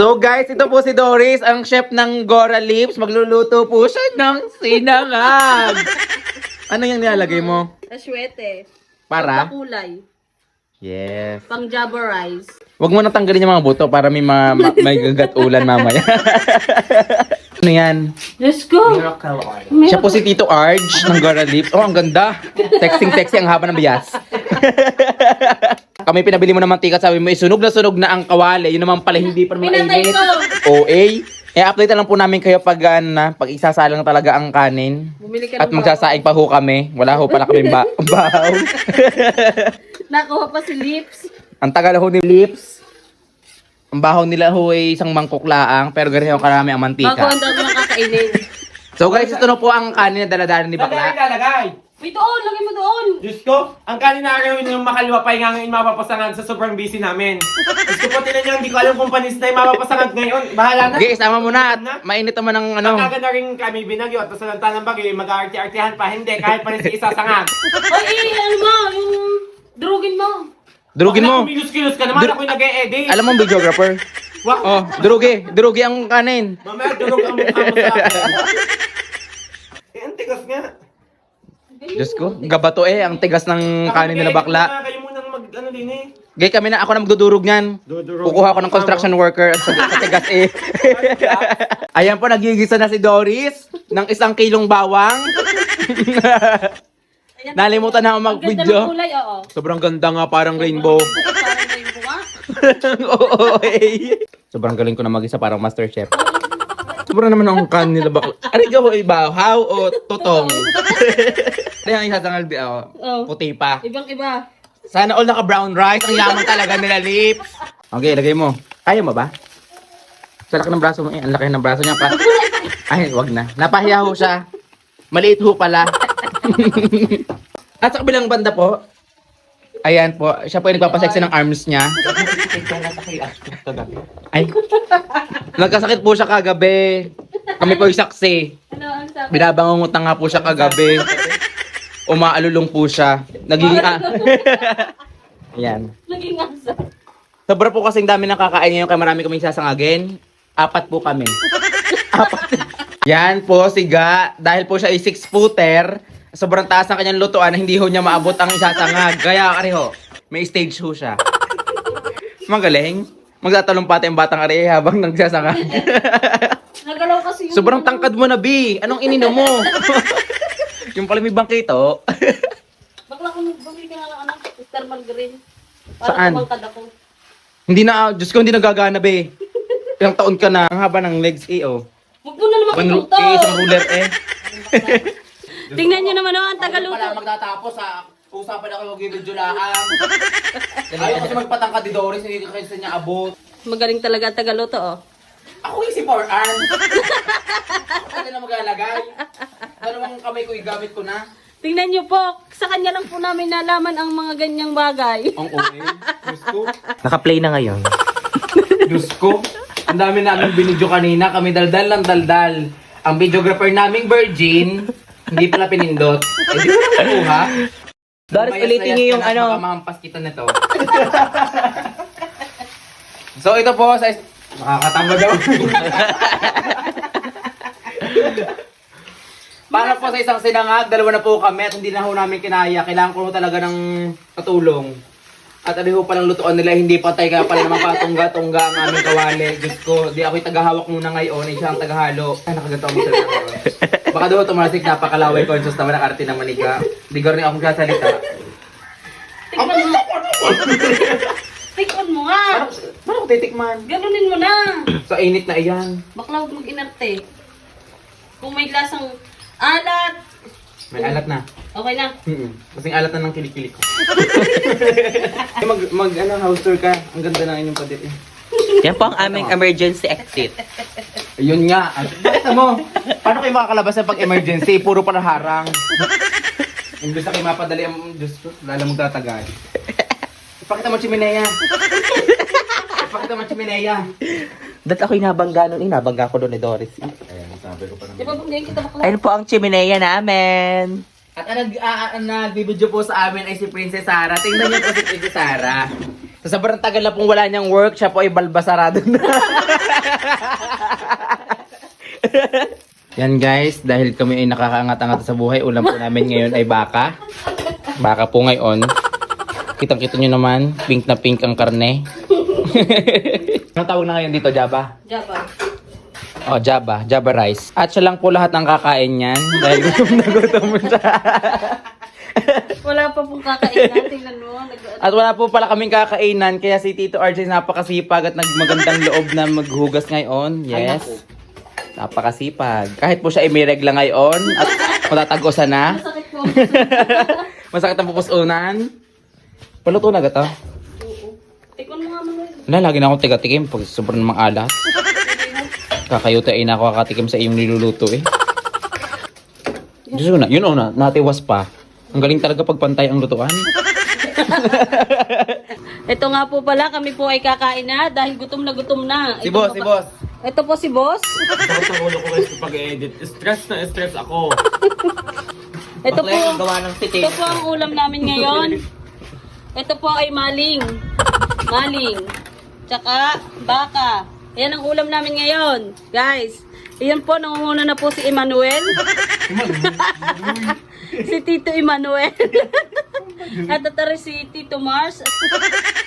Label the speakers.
Speaker 1: So guys, ito po si Doris, ang chef ng Gora Lips. Magluluto po siya ng sinangag. Ano yung nilalagay mo?
Speaker 2: Aswete.
Speaker 1: Para?
Speaker 2: Kulay.
Speaker 1: Yes.
Speaker 2: Pang Java rice.
Speaker 1: Huwag mo natanggalin yung mga buto para may gagatulan mamaya. Ano yan?
Speaker 2: Let's go!
Speaker 1: Siya po si Tito Arj ng Gora Lips. Oh, ang ganda. Sexy ang haba ng bias. Kami pinabili mo ng mantika, sabi mo, sunog na ang kawali. Yun naman pala, hindi pa naman
Speaker 2: Pinatay
Speaker 1: mainit.
Speaker 2: ko!
Speaker 1: OA. Update lang po namin kayo pag, pag isasalang talaga ang kanin.
Speaker 2: Bumili ka
Speaker 1: At
Speaker 2: ng
Speaker 1: magsasaing pa ho kami. Wala ho pala kami bahaw.
Speaker 2: Nakuha pa si Lips.
Speaker 1: Ang tagal ho ni Lips. Ang bahaw nila ho ay isang mangkok laang, pero ganito karami ang
Speaker 2: Bago
Speaker 1: mantika.
Speaker 2: ang dami nakakainin.
Speaker 1: So guys, ito na po ang kanin na daladala ni Bakla.
Speaker 3: Lalagay.
Speaker 2: May doon! Lagay mo doon!
Speaker 3: Diyos ko, ang kanina gawin yung makaliwa pa nga ngayon mapapasangan sa sobrang busy namin. Diyos ko po, tinan nyo, hindi ko alam kung panis na yung mapapasangan ngayon. Bahala na.
Speaker 1: Okay, isama mo na. At mainit naman ang ano.
Speaker 3: Pagkaga na rin kami binagyo at sa lantanan bagyo, mag-aarti-artihan pa. Hindi, kahit pa rin si isasangag.
Speaker 2: Ay, ano mo? Yung drugin mo.
Speaker 1: Durugin mo.
Speaker 3: Kumilos-kilos ka naman, ako'y nag-e-edit.
Speaker 1: Alam mo, videographer?
Speaker 3: Wow.
Speaker 1: Oh, durugi ang kanin.
Speaker 3: Mamaya, durog ang mukha mo sa akin. Eh, ang tigas nga.
Speaker 1: Diyos ko, gabato ang tigas ng kanin nila Bakla.
Speaker 3: Kayo munang mag-ano din eh.
Speaker 1: Gay kami na, ako na magdudurog niyan.
Speaker 3: Dudurog.
Speaker 1: Kukuha ako ng construction worker at sa tigas Ayan po, nagigisa na si Doris ng 1 kilong bawang.
Speaker 2: Ayan,
Speaker 1: Nalimutan na ako
Speaker 2: ang ganda
Speaker 1: mag-video.
Speaker 2: ng kulay, oo.
Speaker 1: Sobrang ganda nga, parang rainbow.
Speaker 2: Parang rainbow nga.
Speaker 1: Oo, Sobrang galing ko na mag-isa, parang master chef. Sobrang naman ang kanin nila Bakla. Ano ka ho, ibahaw o totong? Ano yung isasangal di ako?
Speaker 2: Oh.
Speaker 1: Puti pa.
Speaker 2: Ibang-iba.
Speaker 1: Sana all naka brown rice. Ang yaman talaga nila Lips. Okay, lagay mo. Kaya mo ba? Sa laki ng braso mo eh. Ang laki ng braso niya pa. Ay, wag na. Napahiya ho siya. Maliit ho pala. At sa kabilang banda po, ayan po, siya po yung nagpapasexy ng arms niya. Ay, nagkasakit po siya kagabi. Kami po yung saksi.
Speaker 2: Ano ang sabi?
Speaker 1: Binabangungutan nga po siya kagabi. Umaalulong po siya. Naging Ayan.
Speaker 2: Naging asa.
Speaker 1: Sobra po kasing dami ng kakain ngayon kaya marami kaming sasangagin. 4 po kami. 4. Yan po si Ga. Dahil po siya ay 6-footer, sobrang taas ng kanyang lutuan na hindi ho niya maabot ang isasangag. Kaya ariho, may stage ho siya. Magaling. Magtatalong pati ang batang ari habang nagsasangag.
Speaker 2: Nagalaw kasi yung...
Speaker 1: Sobrang tangkad mo na, B. Anong ininom mo? Yung pala may bangkito.
Speaker 2: Bakla kung bumili ka nga ng anak, Mr. Margarine.
Speaker 1: Saan?
Speaker 2: Para tumangkad ako.
Speaker 1: Hindi na, Diyos ko, hindi nagagana, B. Ilang taon ka na. Ang haba ng legs, oh.
Speaker 2: Huwag mo na naman ituto.
Speaker 1: Isang ruler,
Speaker 2: Tingnan nyo naman, ang tagaluto.
Speaker 1: Wala magtatapos, ha. Usapan ako mag-video laang. Ayaw kasi magpatangkad ni Doris, hindi kasi niya abot.
Speaker 2: Magaling talaga ang tagaluto, oh.
Speaker 1: Ako yung si Four Arms. Ako na maglalagay. Dalawang kamay ko, igamit ko na.
Speaker 2: Tingnan nyo po, sa kanya lang po namin nalaman ang mga ganyang bagay.
Speaker 1: Ang okay. Diyos ko.
Speaker 4: Naka-play na ngayon.
Speaker 1: Diyos ko. Ang dami namin binidyo kanina. Kami daldal ng daldal. Ang videographer naming virgin, hindi pala pinindot. Eh, di ko na nakuha.
Speaker 4: Doris, ulitin niyo yung ano.
Speaker 1: Baka mahampas kita nito. So ito po sa makakatamba daw. Para po sa isang sinangag, 2 na po kami at hindi na ho namin kinaya. Kailangan ko talaga ng katulong. At ano ho palang lutuan nila, hindi patay kaya pala naman patungga-tungga ang aming kawali. Diyos ko, di ako'y tagahawak muna ngayon, siya ang tagahalo. Ay, nakaganto ang salita ko. Baka doon tumalasik, napakalaway conscious naman ang arte ng manika. Hindi ko rin akong sasalita.
Speaker 2: Tikon mo nga.
Speaker 1: Paano ko titikman?
Speaker 2: Ganunin mo na.
Speaker 1: Sa init na iyan.
Speaker 2: Bakla huwag mag-inarte. Kung may lasang alat,
Speaker 1: May alat na.
Speaker 2: okay na.
Speaker 1: Kasing alat na ng kilikili ko. House tour ka. Ang ganda ng inyong padit eh.
Speaker 4: Yan po ang aming emergency exit.
Speaker 1: Ayun nga. Bakit mo? Paano kayo makakalabas sa pag-emergency? Puro pala harang. Imbes na kayo mapadali ang Diyos ko. Lala mong tatagal. Ipakita mo chimenea. Ipakita mo chimenea.
Speaker 4: Dahil ako'y nabangga nun, nabangga ko doon ni Doris.
Speaker 1: Ayan, sabi ko pa
Speaker 2: Di ba bumili kita bakla?
Speaker 4: Ayun po ang chimenea namin.
Speaker 1: At ang nagbibideo po sa amin ay si Princess Sarah. Tingnan niyo po si Princess Sarah. Sa sobrang tagal na pong wala niyang work, siya po ay balbasarado na. Yan guys, dahil kami ay nakakaangat-angat sa buhay, ulam po namin ngayon ay baka. Baka po ngayon. Kitang-kita nyo naman, pink na pink ang karne. Anong tawag na ngayon dito, Jaba?
Speaker 2: Jaba.
Speaker 1: Oh, Jaba. Jaba rice. At siya lang po lahat ng kakain yan. Dahil gutom na gutom siya.
Speaker 2: Wala pa pong kakainan. Tingnan mo.
Speaker 1: At wala po pala kaming kakainan. Kaya si Tito RJ napakasipag at nagmagandang loob na maghugas ngayon. Yes. Napakasipag. Kahit po siya ay may regla ngayon at matatagosan na.
Speaker 2: Masakit po.
Speaker 1: Masakit ang pupusunan. Paluto na gata.
Speaker 2: Oo. Tikman mo nga Manuel.
Speaker 1: Wala, lagi na akong tiga-tikim pag sobrang namang alat. Kakayuta ay nakakatikim sa iyong niluluto eh. Diyos ko na, yun o na, natiwas pa. Ang galing talaga pagpantay ang lutuan.
Speaker 2: Ito nga po pala, kami po ay kakain na dahil gutom na gutom na.
Speaker 1: Si boss, si boss.
Speaker 2: Ito po si boss.
Speaker 3: Sakit sa ulo ko guys kapag edit. Stress na stress ako.
Speaker 2: Ito po,
Speaker 4: gawa ng
Speaker 2: ito po ang ulam namin ngayon. Ito po ay maling. Maling. Tsaka baka. Ayan ang ulam namin ngayon. Guys, ayan po, nangunguna na po si Emmanuel. Si Tito Emmanuel. At ito rin si Tito Mars.